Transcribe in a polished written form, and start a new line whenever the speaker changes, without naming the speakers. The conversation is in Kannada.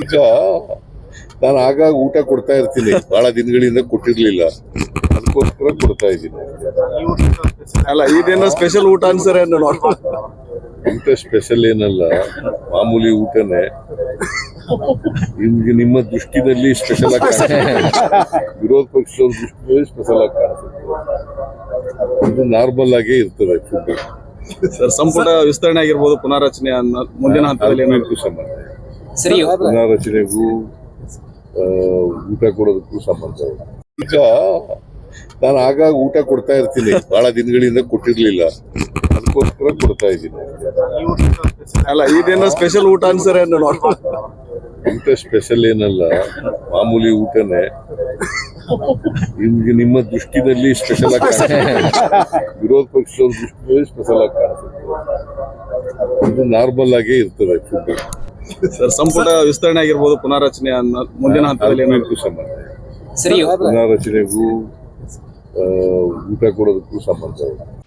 ಈಗ ನಾನು ಆಗಾಗ ಊಟ ಕೊಡ್ತಾ ಇರ್ತೀನಿ, ಬಹಳ ದಿನಗಳಿಂದ ಕೊಟ್ಟಿರ್ಲಿಲ್ಲ, ಅದಕ್ಕೋಸ್ಕರ ಕೊಡ್ತಾ ಇದ್ದೀನಿ.
ಅಲ್ಲ ಇದೇನೋ ಸ್ಪೆಷಲ್ ಊಟ ಅನ್ಸರೆ
ಊಟ ಸ್ಪೆಷಲ್ ಏನಲ್ಲ, ಮಾಮೂಲಿ ಊಟನೇ. ನಿಮ್ಗೆ ನಿಮ್ಮ ದೃಷ್ಟಿನಲ್ಲಿ ಸ್ಪೆಷಲ್ ಆಗಿ ಕಾಣಿಸುತ್ತೆ, ವಿರೋಧ ಪಕ್ಷದವ್ರ ದೃಷ್ಟಿಯಲ್ಲಿ ಸ್ಪೆಷಲ್ ಆಗಿ ಕಾಣಿಸುತ್ತೆ. ಇದು ನಾರ್ಮಲ್ ಆಗೇ ಇರ್ತದೆ ಫುಡ್.
ಸರ್, ಸಂಪುಟ ವಿಸ್ತರಣೆ ಆಗಿರ್ಬೋದು, ಪುನಾರಚನೆ ಮುಂದಿನ ಹಂತದಲ್ಲಿ
ಏನಾಯ್ತು ಸಂಬಂಧ ಪುನಾರಚನೆಗೂ ಊಟ ಕೊಡೋದಕ್ಕೂ ಸಂಬಂಧ. ಈಗ ನಾನು ಆಗಾಗ ಊಟ ಕೊಡ್ತಾ ಇರ್ತೀನಿ, ಬಹಳ ದಿನಗಳಿಂದ ಕೊಟ್ಟಿರ್ಲಿಲ್ಲ, ಅದಕ್ಕೋಸ್ಕರ ಕೊಡ್ತಾ ಇದ್ದೀನಿ.
ಅಲ್ಲ ಇದೇನೋ ಸ್ಪೆಷಲ್ ಊಟ ಅನ್ಸರೆ
ಊಟ ಸ್ಪೆಷಲ್ ಏನಲ್ಲ, ಮಾಮೂಲಿ ಊಟನೇ. ನಿಮ್ಗೆ ನಿಮ್ಮ ದೃಷ್ಟಿನಲ್ಲಿ ಸ್ಪೆಷಲ್ ಆಗಿ ಕಾಣಿಸುತ್ತೆ, ವಿರೋಧ ಪಕ್ಷದವ್ರ ದೃಷ್ಟಿಯಲ್ಲಿ ಸ್ಪೆಷಲ್ ಆಗಿ ಕಾಣಿಸುತ್ತೆ. ಇದು ನಾರ್ಮಲ್ ಆಗೇ ಇರ್ತದೆ ಫುಡ್.
ಸರ್, ಸಂಪುಟ ವಿಸ್ತರಣೆ ಆಗಿರ್ಬೋದು, ಪುನಾರಚನೆ ಮುಂದಿನ ಹಂತದಲ್ಲಿ
ಏನಾಯ್ತು ಸಂಬಂಧ ಪುನಾರಚನೆಗೂ ಊಟ ಕೊಡೋದಕ್ಕೂ ಸಂಬಂಧ.